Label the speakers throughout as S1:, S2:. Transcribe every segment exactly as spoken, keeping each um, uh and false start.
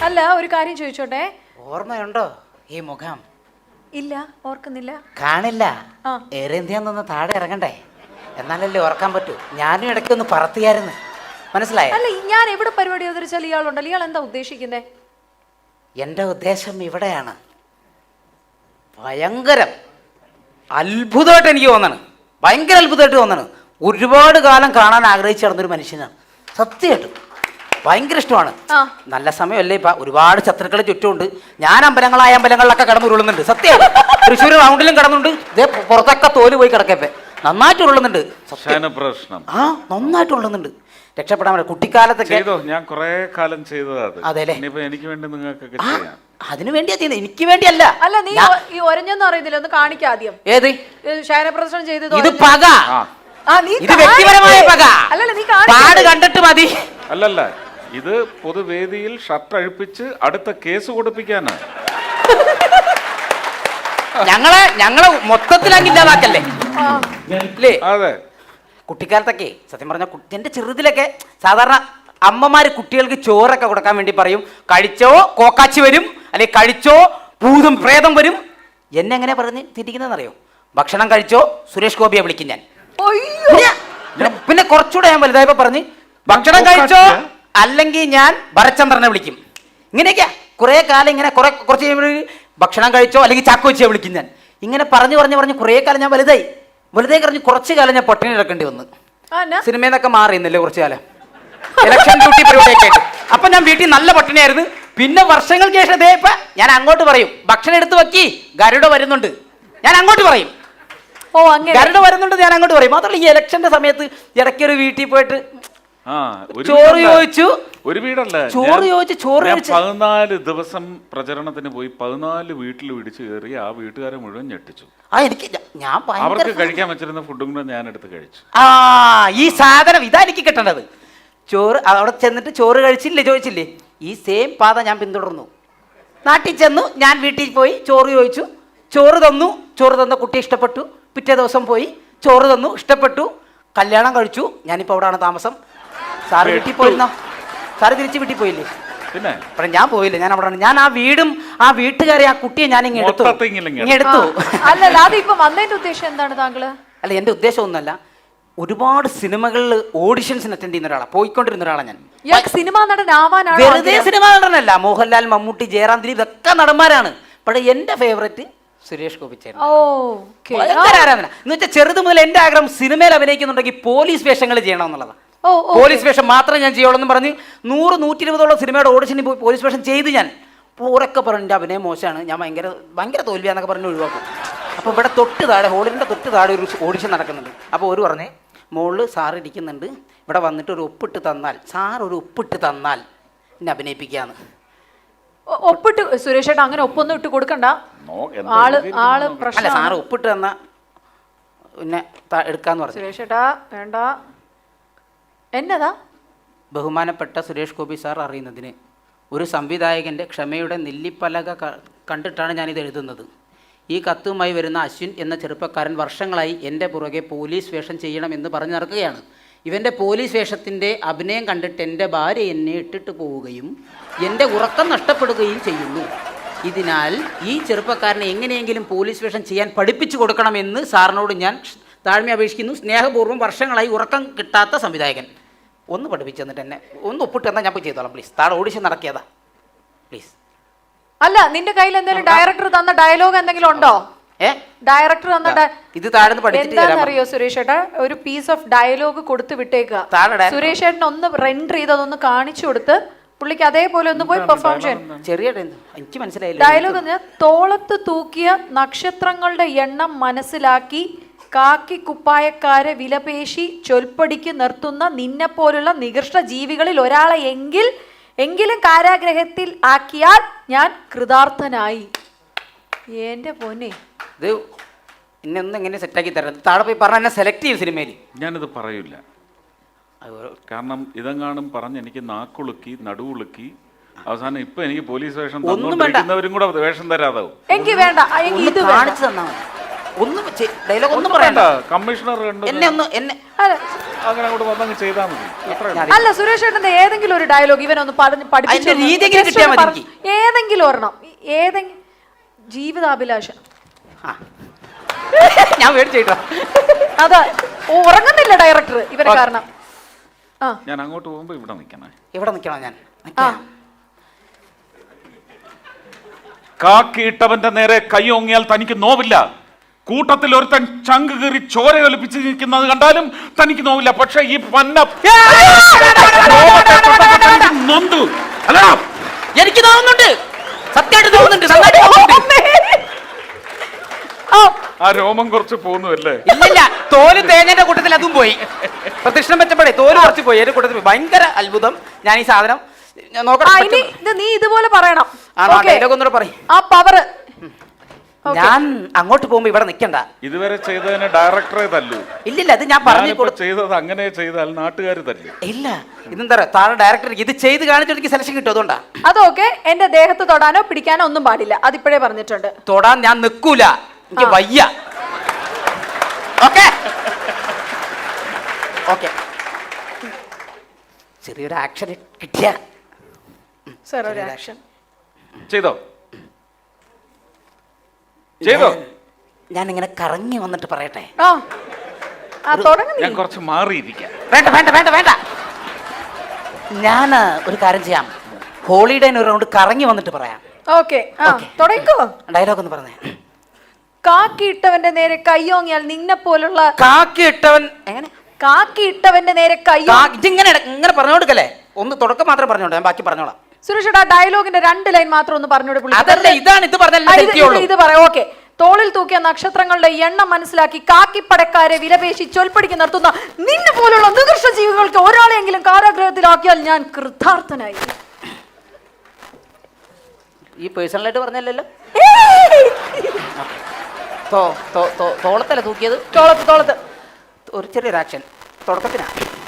S1: അല്ല ഒരു കാര്യം ചോദിച്ചോട്ടെ,
S2: ഓർമ്മയുണ്ടോ ഈ മുഖം?
S1: ഇല്ല, ഓർക്കുന്നില്ല.
S2: കാണില്ല. എയർ ഇന്ത്യന്ന് താഴെ ഇറങ്ങണ്ടേ, എന്നാലല്ലേ ഓർക്കാൻ പറ്റൂ. ഞാനും ഇടയ്ക്കൊന്ന് പറത്തിയായിരുന്നു, മനസ്സിലായോ?
S1: അല്ല, ഞാൻ എവിടെ പരിപാടി അവതരിച്ചാൽ ഇയാളുണ്ടല്ലോ, ഇയാൾ എന്താ ഉദ്ദേശിക്കുന്നേ?
S2: എൻ്റെ ഉദ്ദേശം ഇവിടെയാണ്. ഭയങ്കരം അത്ഭുതമായിട്ട് എനിക്ക് തോന്നണ്, ഭയങ്കര അത്ഭുതമായിട്ട് തോന്നണ്. ഒരുപാട് കാലം കാണാൻ ആഗ്രഹിച്ചു നടന്നൊരു മനുഷ്യനാണ്, സത്യമായിട്ടും ഭയങ്കര ഇഷ്ടമാണ്. നല്ല സമയമല്ലേ ഇപ്പൊ, ഒരുപാട് ശത്രുക്കൾ ചുറ്റുമുണ്ട്. ഞാൻ അമ്പലങ്ങളായ അമ്പലങ്ങളിലൊക്കെ കടന്നുരുളുന്നുണ്ട്, സത്യം. തൃശ്ശൂർ റൗണ്ടിലും കടന്നുണ്ട്, ഇതേ പുറത്തൊക്കെ തോല് പോയി കിടക്കപ്പെ നന്നായിട്ട് ഉള്ളുന്നുണ്ട്. ആ നന്നായിട്ട് ഉള്ളുന്നുണ്ട്. രക്ഷപ്പെടാൻ പറ്റും. കുട്ടിക്കാലത്തൊക്കെ
S3: ഞാൻ കുറെ കാലം ചെയ്തതാണ്.
S2: അതെല്ലേ,
S3: എനിക്ക് വേണ്ടി നിങ്ങൾക്ക്
S2: അതിനു വേണ്ടിയാ ചെയ്യുന്നത്, എനിക്ക് വേണ്ടിയല്ല.
S1: അല്ല, നീ ഈ ഒരഞ്ഞൊന്നും അറിയുന്നില്ല, ഒന്ന് കാണിക്കാം ആദ്യം.
S2: ഏത്
S1: ശയനപ്രദർശനം ചെയ്തത്?
S2: ഇത് പക, ഇത് വ്യക്തിപരമായ പക.
S1: അല്ലല്ല, നീ
S2: പാട് കണ്ടിട്ട് മതി.
S3: അല്ലല്ല, ഇത് പൊതുവേദിയിൽ ഷർട്ട് അഴിപ്പിച്ച് അടുത്ത കേസ് കൊടുപ്പിക്കാനാണ്.
S2: ഞങ്ങളെ ഞങ്ങളെ മൊത്തത്തിൽ അങ്ങില്ലാതാക്കല്ലേ.
S3: അതെ,
S2: കുട്ടിക്കാലത്തൊക്കെ സത്യം പറഞ്ഞ എന്റെ ചെറുതിലൊക്കെ സാധാരണ അമ്മമാര് കുട്ടികൾക്ക് ചോറൊക്കെ കൊടുക്കാൻ വേണ്ടി പറയും, കഴിച്ചോ കോക്കാച്ചി വരും, അല്ലെങ്കിൽ കഴിച്ചോ ഭൂതം പ്രേതം വരും. എന്നെ എങ്ങനെ പറഞ്ഞ് തിരിക്കുന്നതെന്നറിയോ? ഭക്ഷണം കഴിച്ചോ സുരേഷ് ഗോപിയെ വിളിക്കും ഞാൻ. പിന്നെ കുറച്ചുകൂടെ ഞാൻ വലുതായപ്പോ പറഞ്ഞ് ഭക്ഷണം കഴിച്ചോ അല്ലെങ്കിൽ ഞാൻ ഭരചന്ദ്രനെ വിളിക്കും. ഇങ്ങനെയൊക്കെയാ കുറെ കാലം ഇങ്ങനെ കുറെ കുറച്ച് കഴിയുമ്പോൾ ഭക്ഷണം കഴിച്ചോ അല്ലെങ്കിൽ ചാക്കോച്ചിയെ വിളിക്കും ഞാൻ. ഇങ്ങനെ പറഞ്ഞു പറഞ്ഞു പറഞ്ഞ് കുറെ കാലം ഞാൻ വലുതായി വലുതായി കഴിഞ്ഞ് കുറച്ച് കാലം ഞാൻ പട്ടിണി കിടക്കേണ്ടി വന്നു. സിനിമയിൽ നിന്നൊക്കെ മാറിയുന്നില്ലേ കുറച്ചു കാലം, ഇലക്ഷൻ ഡ്യൂട്ടി പരിപാടിയൊക്കെ ആയിട്ട്. അപ്പൊ ഞാൻ വീട്ടിൽ നല്ല പട്ടിണിയായിരുന്നു. പിന്നെ വർഷങ്ങൾക്ക് ശേഷം ഇതേ ഇപ്പൊ ഞാൻ അങ്ങോട്ട് പറയും ഭക്ഷണം എടുത്ത് വെക്കി, ഗരുഡ വരുന്നുണ്ട്, ഞാൻ അങ്ങോട്ട് പറയും.
S1: ഓ അങ്ങനെ
S2: ഗരുഡ വരുന്നുണ്ട് ഞാൻ അങ്ങോട്ട് പറയും. മാത്രമല്ല ഈ ഇലക്ഷന്റെ സമയത്ത് ഇടയ്ക്കൊരു വീട്ടിൽ പോയിട്ട് ചോറ് ചോദിച്ചു,
S3: ഒരു വീടല്ല
S2: ചോറ് ചോദിച്ചു ചോറ് കഴിച്ചു.
S3: പതിനാല് ദിവസം പ്രചരണത്തിന് പോയി പതിനാല് വീട്ടിൽ പിടിച്ചു കയറി ആ വീട്ടുകാരെ മുഴുവൻ ഞെട്ടിച്ചു.
S2: ആ എനിക്ക് ഞാൻ
S3: അവർക്ക് കഴിക്കാൻ വെച്ചിരുന്ന ഫുഡും കൂടെ ഞാൻ എടുത്ത് കഴിച്ചു.
S2: ആ ഈ സാധനം ഇതാ എനിക്ക് കിട്ടേണ്ടത്. ചോറ് അവിടെ ചെന്നിട്ട് ചോറ് കഴിച്ചില്ലേ ചോദിച്ചില്ലേ, ഈ സെയിം പാത ഞാൻ പിന്തുടർന്നു. നാട്ടിൽ ചെന്നു, ഞാൻ വീട്ടിൽ പോയി ചോറ് ചോദിച്ചു, ചോറ് തന്നു, ചോറ് തന്ന കുട്ടി ഇഷ്ടപ്പെട്ടു. പിറ്റേ ദിവസം പോയി ചോറ് തന്നു, ഇഷ്ടപ്പെട്ടു, കല്യാണം കഴിച്ചു. ഞാനിപ്പോൾ അവിടെയാണ് താമസം. സാറ് വീട്ടിൽ പോയിരുന്നോ? സാറ് തിരിച്ച് വീട്ടിൽ പോയില്ലേ?
S3: പിന്നെ
S2: ഞാൻ പോയില്ല, ഞാൻ അവിടെ. ഞാൻ ആ വീടും ആ വീട്ടുകാരെ ആ കുട്ടിയെ ഞാൻ ഇങ്ങനെ എടുത്തു ഇങ്ങനെ എടുത്തു.
S1: അല്ലല്ല, അതിപ്പോ വന്നതിന്റെ ഉദ്ദേശം എന്താണ് താങ്കള്?
S2: അല്ല, എന്റെ ഉദ്ദേശം ഒന്നല്ല, ഒരുപാട് സിനിമകളിൽ ഓഡിഷൻസിന് അറ്റൻഡ് ചെയ്യുന്ന ഒരാളാണ്, പോയിക്കൊണ്ടിരുന്ന ഒരാളാണ് ഞാൻ.
S1: സിനിമാ നടൻ ആവാനാണ്?
S2: വെറുതെ സിനിമാ നടനല്ല, മോഹൻലാൽ, മമ്മൂട്ടി, ജയറാം, ദിലീപ് ഇതൊക്കെ നടന്മാരാണ്. പക്ഷേ എന്റെ ഫേവറേറ്റ് സുരേഷ് ഗോപി ചേട്ടൻ. ഭയങ്കര ആരാധന എന്ന് വെച്ചാൽ ചെറുത് മുതൽ എന്റെ ആഗ്രഹം സിനിമയിൽ അഭിനയിക്കുന്നുണ്ടെങ്കിൽ പോലീസ് വേഷങ്ങൾ ചെയ്യണം എന്നുള്ളതാണ്. പോലീസ് വേഷം മാത്രമേ ഞാൻ ചെയ്യുള്ളൂ എന്ന് പറഞ്ഞ് നൂറ് നൂറ്റി ഇരുപതോളം സിനിമയുടെ ഓഡിഷനിൽ പോയി പോലീസ് വേഷം ചെയ്ത് ഞാൻ പൂരൊക്കെ പറഞ്ഞു എൻ്റെ അഭിനയം മോശമാണ്, ഞാൻ ഭയങ്കര ഭയങ്കര തോൽവിയാന്നൊക്കെ പറഞ്ഞ് ഒഴിവാക്കും. അപ്പോൾ ഇവിടെ തൊട്ട് താഴെ ഹോളിൻ്റെ തൊട്ട് താഴെ ഒരു ഓഡിഷൻ നടക്കുന്നുണ്ട്. അപ്പോൾ ഒരു പറഞ്ഞേ മുകളിൽ സാർ ഇരിക്കുന്നുണ്ട്, ഇവിടെ വന്നിട്ട് ഒരു ഒപ്പിട്ട് തന്നാൽ, സാർ ഒരു ഒപ്പിട്ട് തന്നാൽ എന്നെ അഭിനയിപ്പിക്കാന്ന്.
S1: ഒപ്പിട്ട് സുരേഷ് ഏട്ടാ അങ്ങനെ ഒപ്പൊന്നും ഇട്ട് കൊടുക്കണ്ട, ആള് ആള് പ്രശ്നം.
S2: അല്ല, സാറ് ഒപ്പിട്ട് തന്നാ പിന്നെ എടുക്കാന്ന് പറഞ്ഞു.
S1: സുരേഷ് ഏട്ടാ വേണ്ട. എന്നതാ?
S2: ബഹുമാനപ്പെട്ട സുരേഷ് ഗോപി സാർ അറിയുന്നതിന് ഒരു സംവിധായകൻ്റെ ക്ഷമയുടെ നെല്ലിപ്പലക കണ്ടിട്ടാണ് ഞാനിത് എഴുതുന്നത്. ഈ കത്തുമായി വരുന്ന അശ്വിൻ എന്ന ചെറുപ്പക്കാരൻ വർഷങ്ങളായി എൻ്റെ പുറകെ പോലീസ് വേഷം ചെയ്യണമെന്ന് പറഞ്ഞു നടക്കുകയാണ്. ഇവൻ്റെ പോലീസ് വേഷത്തിൻ്റെ അഭിനയം കണ്ടിട്ട് എൻ്റെ ഭാര്യ എന്നെ ഇട്ടിട്ട് പോവുകയും എൻ്റെ ഉറക്കം നഷ്ടപ്പെടുകയും ചെയ്യുന്നു. ഇതിനാൽ ഈ ചെറുപ്പക്കാരനെ എങ്ങനെയെങ്കിലും പോലീസ് വേഷം ചെയ്യാൻ പഠിപ്പിച്ചു കൊടുക്കണമെന്ന് സാറിനോട് ഞാൻ താഴ്മ അപേക്ഷിക്കുന്നു. സ്നേഹപൂർവ്വം വർഷങ്ങളായി ഉറക്കം കിട്ടാത്ത സംവിധായകൻ. ഒന്ന് പഠിപ്പിച്ചു തന്നിട്ട് എന്നെ ഒന്ന് ഒപ്പിട്ട് തന്നാൽ ഞാൻ പോയി ചെയ്തോളാം പ്ലീസ്. താഴെ ഓഡിഷൻ നടക്കിയതാ പ്ലീസ്.
S1: അല്ല, നിന്റെ കയ്യിൽ എന്തെങ്കിലും ഡയറക്ടർ തന്ന ഡയലോഗ് എന്തെങ്കിലും ഉണ്ടോ? ഏ ഡയറക്ടർ തന്ന ഇത് താഴ്ന്ന് പഠിച്ചിട്ട് സുരേഷ് ഏട്ടാ ഒരു പീസ് ഓഫ് ഡയലോഗ് കൊടുത്ത് വിട്ടേക്കുക. സുരേഷ് ഏട്ടൻ ഒന്ന് റെൻഡർ ചെയ്ത് അതൊന്ന് കാണിച്ചു കൊടുത്ത് പുള്ളിക്ക് അതേപോലെ ഒന്ന് പോയി പെർഫോം ചെയ്യാൻ.
S2: ചെറിയ എനിക്ക് മനസ്സിലായില്ല
S1: ഡയലോഗ്. തോളത്ത് തൂക്കിയ നക്ഷത്രങ്ങളുടെ എണ്ണം മനസ്സിലാക്കി കാക്കി കുപ്പായക്കാരെ വിലപേശി ചൊൽപ്പടിക്ക് നിർത്തുന്ന നിന്നെപ്പോലുള്ള നികൃഷ്ട ജീവികളിൽ ഒരാളെ എങ്കിൽ എങ്കിലും കാരാഗ്രഹത്തിൽ ആക്കിയാൽ ഞാൻ കൃതാർത്ഥനായി. എന്റെ പൊന്നെ,
S2: ഇത് എന്നെ ഒന്ന് എങ്ങനെ സെറ്റാക്കി തരാം. താഴെ പോയി പറഞ്ഞ എന്നെ സെലക്ട് ചെയ്യും സിനിമയിൽ.
S3: ഞാനിത് പറയില്ല, കാരണം ഇതെങ്ങാനും പറഞ്ഞ് എനിക്ക് നാക്കുളുക്കി നടുവുളുക്കി അവസാനം ഇപ്പൊ എനിക്ക് പോലീസ് വേഷം തന്നവരും കൂടെ വേഷം തരാതാവും.
S1: എനിക്ക് വേണ്ട, ഇത്
S2: കാണിച്ചു തന്നാ മതി. ഒന്നും ഡയലോഗ് ഒന്നും പറയണ്ട.
S3: കമ്മീഷണർ
S2: എന്നെ ഒന്ന് എന്നെ
S3: അങ്ങനെ അങ്ങോട്ട് വന്നങ്ങ് ചെയ്താൽ മതി. അത്രേ ഉള്ളൂ.
S1: അല്ല സുരേഷ് ഏട്ടന്റെ ഏതെങ്കിലും ഒരു ഡയലോഗ് ഇവനൊന്ന് പറഞ്ഞ് പഠിപ്പിച്ചു
S2: അതിന്റെ രീതി എങ്ങനെ കിട്ടിയാൽ മതി എനിക്ക്.
S1: ഏതെങ്കിലും ഒരെണ്ണം ഏതെങ്കിലും ജീവിതാഭിലാഷം
S2: ആ. ഞാൻ മേടിച്ചേട്ടോ.
S1: അതാ ഉറങ്ങുന്നില്ല ഡയറക്ടർ ഇവരെ കാരണം. ആ
S3: ഞാൻ അങ്ങോട്ട് പോകുമ്പോ ഇവിടെ നിൽക്കണേ.
S2: ഇവിടെ നിൽക്കണോ ഞാൻ?
S1: ആ
S3: കാക്കിയിട്ടവന്റെ നേരെ കൈ ഓങ്ങിയാൽ തനിക്ക് നോവില്ല. കൂട്ടത്തിൽ ഒരുത്തൻ ചങ്ക് കീറി ചോര ഒലിപ്പിച്ച് നിൽക്കുന്നത് കണ്ടാലും തനിക്ക് നോവില്ല. പക്ഷെ ഈ പന്ന നൊന്തു അല്ല,
S2: എനിക്ക് തോന്നുന്നുണ്ട്, സത്യമായിട്ട് തോന്നുന്നുണ്ട്, നന്നായിട്ട് തോന്നുന്നുണ്ട്.
S3: ആ രോമം കുറച്ച് പോകുന്നല്ലേ?
S2: ഇല്ലില്ല, തോല് തേങ്ങന്റെ കൂട്ടത്തിൽ അതും പോയി. പ്രദക്ഷിണം വെച്ചപ്പോഴേ തോല് കുറച്ച് പോയി. എന്റെ കൂട്ടത്തിൽ ഭയങ്കര അത്ഭുതം. ഞാൻ ഈ സാധനം
S1: നീ ഇതുപോലെ പറയണം.
S2: ആ പവറ് ഞാൻ അങ്ങോട്ട് പോകുമ്പോ ഇവിടെ നിൽക്കണ്ട.
S3: ഇതുവരെ ചെയ്തതിന് ഡയറക്ടറെ തല്ലു.
S2: ഇല്ലില്ല, അത് ഞാൻ പറഞ്ഞു
S3: ചെയ്തത് അങ്ങനെ ചെയ്താൽ നാട്ടുകാർ തല്ലു.
S2: ഇല്ല, ഇതെന്താ താഴെ ഡയറക്ടർ ഇത് ചെയ്ത് കാണിച്ചിട്ട് എനിക്ക് സെലക്ഷൻ കിട്ടും. അതുകൊണ്ടാ.
S1: അതൊക്കെ എന്റെ ദേഹത്ത് തൊടാനോ പിടിക്കാനോ ഒന്നും പാടില്ല. അതിപ്പോഴേ പറഞ്ഞിട്ടുണ്ട്.
S2: തൊടാൻ ഞാൻ നിൽക്കൂല, എനിക്ക് വയ്യ. ഓക്കെ ഓക്കെ ചെറിയൊരു ആക്ഷൻ കിട്ടിയ
S1: സർ ഒരു ആക്ഷൻ
S3: ചെയ്തോ ചെയ്തോ
S2: ഞാൻ ഇങ്ങനെ കറങ്ങി വന്നിട്ട് പറയട്ടെ.
S3: ഞാൻ കുറച്ച് മാറിയിരിക്കാം.
S2: വേണ്ട വേണ്ട വേണ്ട വേണ്ട ഞാൻ ഒരു കാര്യം ചെയ്യാം. ഹോളിഡേന് ഒരു റൗണ്ട് കറങ്ങി വന്നിട്ട് പറയാം.
S1: ഓക്കെ തുടങ്ങിക്കോ.
S2: ഡയലോഗ് ഒന്ന് പറഞ്ഞേ.
S1: കാക്കിയിട്ടവന്റെ നേരെ കയ്യോങ്ങിയാൽ നിന്നെ പോലുള്ള
S2: കാക്കിയിട്ടവൻ എങ്ങനെ
S1: കാക്കിയിട്ടവന്റെ നേരെ കയ്യോ
S2: ഇതിങ്ങനെ ഇങ്ങനെ പറഞ്ഞു കൊടുക്കല്ലേ. ഒന്ന് തുടക്കം മാത്രം പറഞ്ഞോണ്ട് ഞാൻ ബാക്കി പറഞ്ഞോളാം.
S1: സുരേഷ് ആ ഡയലോഗിന്റെ രണ്ട് ലൈൻ മാത്രം ഒന്ന് പറഞ്ഞോട്.
S2: ഇതാണ് ഇത് പറഞ്ഞ
S1: ഇത് പറയാം. ഓക്കെ. തോളിൽ തൂക്കിയ നക്ഷത്രങ്ങളുടെ എണ്ണം മനസ്സിലാക്കി കാക്കിപ്പടക്കാരെ വിലപേശി ചൊൽപ്പടിക്ക് നിർത്തുന്ന നിന്നെ പോലുള്ള നികൃഷ്ട ജീവികൾക്ക് ഒരാളെങ്കിലും കാരാഗ്രഹത്തിലാക്കിയാൽ ഞാൻ കൃതാർത്ഥനായി.
S2: ഈ പേഴ്സണലായിട്ട് പറഞ്ഞല്ലോ. തോളത്തല്ല തൂക്കിയത്?
S1: തോളത്ത് തോളത്ത്
S2: ഒരു ചെറിയൊരു ആക്ഷൻ തുടക്കത്തിനാ.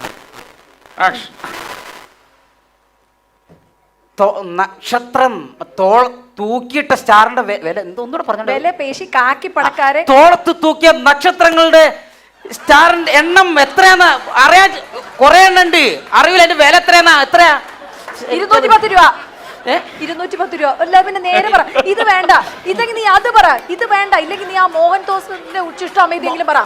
S2: നക്ഷത്രം തോൾ തൂക്കിയിട്ട സ്റ്റാറിന്റെ വില എന്തോന്നൂടെ പറഞ്ഞു.
S1: വില പേശി കാക്കി പടക്കാരെ
S2: തോളത്ത് തൂക്കിയ നക്ഷത്രങ്ങളുടെ സ്റ്റാറിന്റെ എണ്ണം എത്രയാന്ന് അറിയാൻ കുറെ എണ്ണം ഉണ്ട്. അറിയില്ല അതിന്റെ വില എത്രയാന്നാ? എത്രയാ?
S1: ഇരുന്നൂറ്റി പത്ത് രൂപ. ഇരുന്നൂറ്റി പത്ത് രൂപ. അല്ല പിന്നെ നേരെ പറ. ഇത് വേണ്ട, ഇല്ലെങ്കിൽ നീ അത് പറ. ഇത് വേണ്ട, ഇല്ലെങ്കിൽ നീ ആ മോഹൻ തോമസിന്റെ ഉച്ചിഷ്ടം ഇതെങ്കിലും പറ.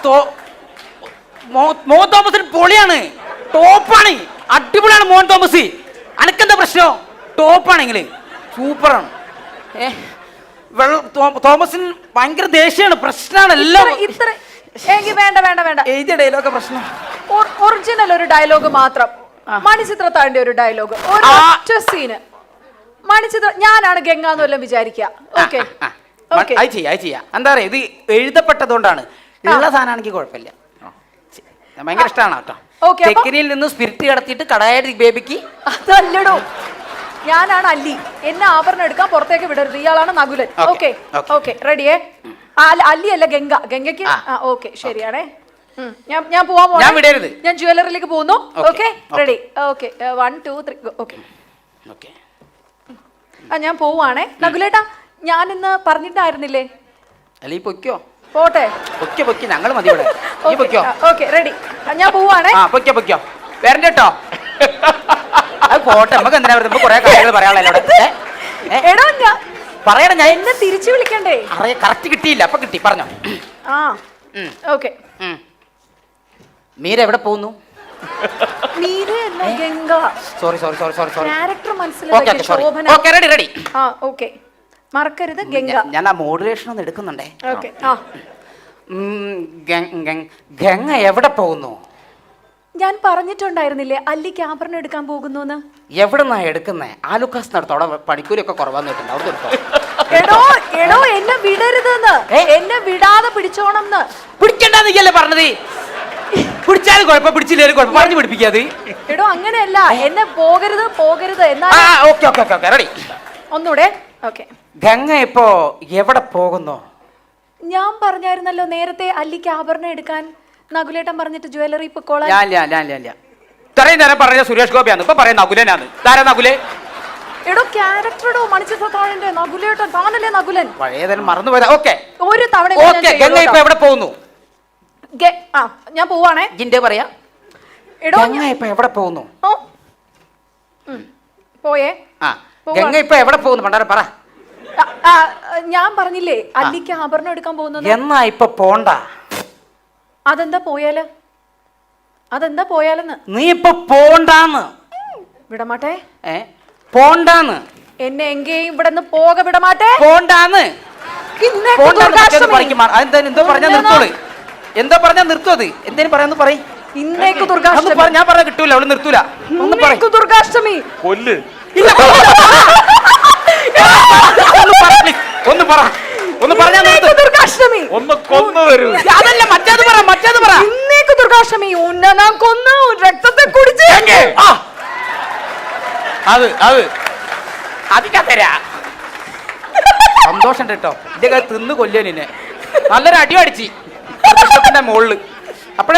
S2: മോഹൻ തോമസിന് പൊളിയാണ്, ടോപ്പാണ്, അടിപൊളിയാണ് മോഹൻ തോമസ്. അനക്കെന്താ പ്രശ്നം? ടോപ്പാണെങ്കിൽ സൂപ്പറാണ്. ഏ വെള്ള തോമസിന് ഭയങ്കര ദേഷ്യമാണ്, പ്രശ്നമാണ് എല്ലാം.
S1: ഇത്ര വേണ്ട വേണ്ട വേണ്ട
S2: എഴുതിയ ഡയലോഗ് പ്രശ്നം.
S1: ഒറിജിനൽ ഒരു ഡയലോഗ് മാത്രം. മണിച്ചിത്രത്താഴിന്റെ ഒരു ഡയലോഗ്, ഒറ്റ സീന്. മണിച്ചിത്ര ഞാനാണ് ഗംഗ എന്ന് വല്ലതും വിചാരിക്കുക. ഓക്കെ
S2: എന്താ പറയാ, ഇത് എഴുതപ്പെട്ടതുകൊണ്ടാണ്. ഉള്ള സാധനമാണെങ്കിൽ കുഴപ്പമില്ല, ഭയങ്കര ഇഷ്ടമാണ് കേട്ടോ. തെക്കിനിയിൽ നിന്ന് സ്പിരിറ്റ് കടത്തിയിട്ട് കടായ ബേബിക്ക്.
S1: അതല്ലടോ, ഞാനാണ് അല്ലി. എന്നെ ആഭരണം എടുക്കാൻ പുറത്തേക്ക് വിടരുത്. ഇയാളാണ് നകുലൻ. Okay okay റെഡിയേ. അല്ലി അല്ല ഗംഗ. ഗംഗയ്ക്ക് ഓക്കെ ശരിയാണേ. ഞാൻ ഞാൻ പോവാൻ പോകണം. ഞാൻ ജ്വല്ലറിയിലേക്ക് പോകുന്നു. Okay ready. Okay one two three okay
S2: okay
S1: ആ ഞാൻ പോവാണേ. നകുലേട്ടാ ഞാൻ ഇന്ന് പറഞ്ഞിട്ടായിരുന്നില്ലേ?
S2: അല്ലീ പൊയ്ക്കോ.
S1: പോട്ടെ.
S2: പൊയ്ക്കോ പൊയ്ക്കോ, ഞങ്ങൾ മതി ഇവിടെ.
S1: Okay ready. ഞാൻ പോവാണേ.
S2: പൊയ്ക്കോ പൊയ്ക്കോ, വരണ്ട കേട്ടോ. പോട്ടെ, നമുക്ക് എന്തിനാ കുറെ കാര്യങ്ങൾ പറയാനുള്ളൂ. പറയണം, ഞാൻ
S1: എന്നെ തിരിച്ചു വിളിക്കണ്ടേ?
S2: അറിയാം, കറക്റ്റ് കിട്ടിയില്ല, അപ്പൊ കിട്ടി. പറഞ്ഞോ.
S1: ആ ഓക്കെ.
S2: മീര എവിടെ പോകുന്നു? Sorry sorry sorry sorry sorry
S1: character മനസ്സിലാക്കി. ശോഭന.
S2: Okay ready ready.
S1: ആ ഓക്കേ മറക്കരുത് ഗംഗ.
S2: ഞാൻ ആ മോഡുലേഷൻ ഒന്ന് എടുക്കുന്നുണ്ടേ.
S1: ഓക്കേ ആ
S2: ഗംഗ എവിടെ പോകുന്നു?
S1: ഞാൻ പറഞ്ഞിട്ടുണ്ടായിരുന്നില്ലേ അല്ലിക്ക് ആഭരണം എടുക്കാൻ പോകുന്നു.
S2: എവിടെന്നാ എടുക്കുന്നേ? ആലുക്കാസ് നടത്തും, അവിടെ പണിക്കൂലിയൊക്കെ കുറവാന്ന് കേട്ടിട്ടുണ്ട്.
S1: എടോ എടോ എന്നെ വിടരുതെന്ന്, എന്നെ വിടാതെ പിടിച്ചോണം.
S2: പിടിക്കണ്ടെന്നല്ലേ പറഞ്ഞത്? പിടിച്ചാലും കുഴപ്പം, പിടിച്ചില്ലേലും കുഴപ്പം, പറഞ്ഞു പിടിപ്പിക്കാതെ.
S1: എടോ അങ്ങനെയല്ല, എന്നെ പോകരുത് പോകരുത് എന്നാ.
S2: Okay okay okay ready.
S1: ഒന്നൂടെ. ഓക്കെ.
S2: ഗംഗ ഇപ്പോ എവിടെ പോകുന്നു?
S1: ഞാൻ പറഞ്ഞായിരുന്നല്ലോ നേരത്തെ അല്ലിക്ക് ആഭരണം എടുക്കാൻ നകുലേട്ടൻ പറഞ്ഞിട്ട് ജ്വല്ലറി പൊക്കോളാൻ.
S2: ഇത്രയും നേരം പറഞ്ഞ സുരേഷ് ഗോപിയാണ്, ഇപ്പൊ പറയുന്ന നകുലനാണ്. താരാ നകുലേ?
S1: എടോ ക്യാരക്ടറോ മണിച്ചിത്രത്താഴിന്റെ നകുലേട്ടൻ. താനല്ലേ നകുലൻ?
S2: പഴയതെല്ലാം മറന്നുപോയതാ. ഓക്കെ
S1: ഒരു തവണ
S2: ഗംഗ ഇപ്പൊ എവിടെ പോകുന്നു?
S1: ഞാൻ പോവാണേ.
S2: ജിന്റെ പറയാ.
S1: എടോ,
S2: ഗംഗ ഇപ്പൊ എവിടെ പോകുന്നു?
S1: ഓ. ഉം. പോയേ
S2: ആ ഗംഗ ഇപ്പൊ എവിടെ പോകുന്നു പണ്ടാരം പറ.
S1: ആ, ആ, ഞാൻ പറഞ്ഞില്ലേ അല്ലിക്ക് ആഭരണം എടുക്കാൻ പോകുന്നത്.
S2: എന്നാ ഇപ്പൊ പോണ്ട.
S1: അതെന്താ പോയാല്? അതെന്താ പോയാലെന്ന്?
S2: നീ ഇപ്പൊ പോണ്ടാന്ന്.
S1: വിടമാട്ടെ.
S2: ഏ പോണ്ടാന്ന്.
S1: എന്നെ എങ്കേയും ഇവിടെ നിന്ന് പോക വിടമാട്ടെ.
S2: പോണ്ടാന്ന്.
S1: ഇന്നേക്ക്
S2: പോണ്ടാന്ന്
S1: ദുർഗാഷ്ടമി.
S2: പഠിക്കും. അതെന്താ എന്തോ പറഞ്ഞാ നിർത്തോളൂ. എന്തോ പറഞ്ഞാ നിർത്തും അത്. എന്തേലും പറയാന്ന് പറയും.
S1: ഇന്നേക്ക് ദുർഗാഷ്ടമി.
S2: ഞാൻ പറഞ്ഞ കിട്ടൂല, അവള് നിർത്തൂല. ഒന്ന് പറ.
S1: ഇന്നേക്ക് ദുർഗാഷ്ടമി.
S3: കൊല്ല്.
S2: ഇല്ല, ഒന്ന് പറ please. ഒന്ന് പറ. ഒന്ന് പറഞ്ഞാ നിർത്ത്.
S1: ഇന്നേക്ക് ദുർഗാഷ്ടമി.
S3: ഒന്ന് കൊന്നു തരൂ.
S2: അതല്ല മറ്റേത് പറ, മറ്റേത് പറ.
S1: ഇന്നേക്ക് ദുർഗാഷ്ടമി. ഉന്നെ ഞാൻ കൊന്നു, രക്തത്തെ കുടിച്ച്.
S2: ആ. അത് അത് അധികം തരാ. സന്തോഷം കേട്ടോ. എന്റെ കൈ തിന്ന് കൊല്ലിയ നിന്നെ. നല്ലൊരു അടി അടിച്ച് ന്റെ മുകളില്. അപ്പഴേ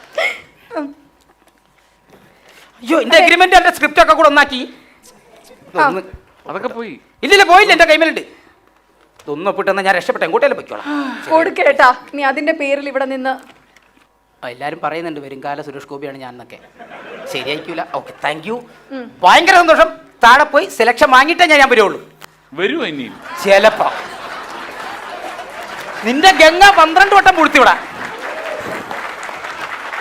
S2: അയ്യോ എന്റെ അഗ്രിമെന്റ് എന്റെ സ്ക്രിപ്റ്റ് ഒക്കെ കൂടെ ഒന്നാക്കി. ഒന്ന്
S3: അതൊക്കെ പോയി.
S2: ഇല്ലില്ല പോയില്ല, എന്റെ കൈമേലുണ്ട്. ഇതൊന്നും ഒപ്പിട്ടെന്നാ ഞാൻ രക്ഷപ്പെട്ട എങ്ങോട്ടേലും പൊയ്ക്കോളാം.
S1: കൊടുക്കേട്ടാ നീ അതിന്റെ പേരിൽ ഇവിടെ നിന്ന്.
S2: എല്ലാരും പറയുന്നുണ്ട് വരുംകാല സുരേഷ് ഗോപിയാണ് ഞാൻ എന്നൊക്കെ. ശരിയായിക്കൂല. Okay thank you. ഭയങ്കര സന്തോഷം. താഴെ പോയി സെലക്ഷൻ വാങ്ങിയിട്ടേ ഞാൻ ഞാൻ വരുള്ളൂ.
S3: വരുമോ ഇനിയും?
S2: ചിലപ്പോ നിന്റെ ഗംഗ പന്ത്രണ്ട് വട്ടം പൂഴ്ത്തിവിടാ.